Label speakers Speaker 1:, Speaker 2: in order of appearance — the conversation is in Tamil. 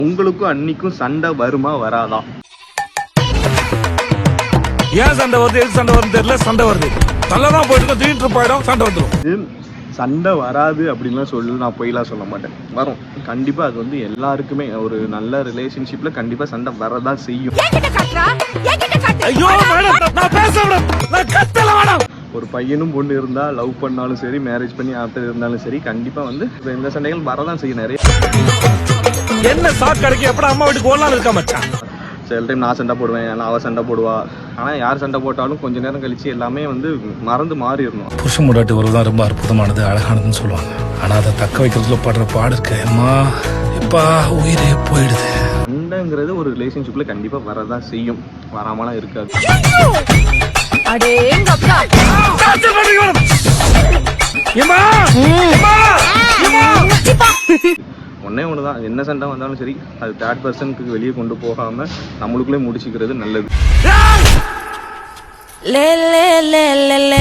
Speaker 1: உங்களுக்கும் அன்னிக்கும் சண்டை வருமா வராதா?
Speaker 2: ஏன் சண்டை வருது, எது சண்டை வருது தெரியல, சண்டை வருது. நல்லதான் போயிட்டு திடீர்னு போயிடும், சண்டை வந்துடும்.
Speaker 1: சண்டை வராது அப்படின்லாம் நான் பொய்லாம் சொல்ல மாட்டேன், வரும் கண்டிப்பா. அது வந்து எல்லாருக்குமே ஒரு நல்ல ரிலேஷன்ஷிப்ல கண்டிப்பா சண்டை வரதான் செய்யும். ஒரு பையனும் பொண்ணு இருந்தா லவ் பண்ணாலும் சரி, மேரேஜ் பண்ணி ஆஃப்டர் இருந்தாலும் சரி, கண்டிப்பா வந்து இந்த சண்டைகள் வரதான் செய்யும். நிறைய
Speaker 2: என்ன சாக்கடைக்கு எப்படா அம்மா வீட்டுக்கு ஓடலாம் இருக்கா மச்சான்.
Speaker 1: சில டைம் நான் சண்டை போடுவேன், அவ சண்டை போடுவா. ஆனால் யார் சண்டை போட்டாலும் கொஞ்ச நேரம் கழிச்சு எல்லாமே வந்து மறந்து மாறிடணும்.
Speaker 2: புருஷன் முன்னாடி உறவு தான் ரொம்ப அற்புதமானது, அழகானதுன்னு சொல்லுவாங்க. ஆனால் அதை தக்க வைக்கிறதுல படுற பாடு இருக்கு அம்மா, இப்பா உயிரே போயிடுது.
Speaker 1: சண்டைங்கிறது ஒரு ரிலேஷன்ஷிப்ல கண்டிப்பா வரதான் செய்யும், வராமலாம் இருக்காது. ஒன்னே ஒண்ணுதான், என்ன சண்டை வந்தாலும் சரி அது தேர்ட் பர்சனுக்கு வெளியே கொண்டு போகாம நம்மளுக்குள்ளே முடிச்சுக்கிறது நல்லது.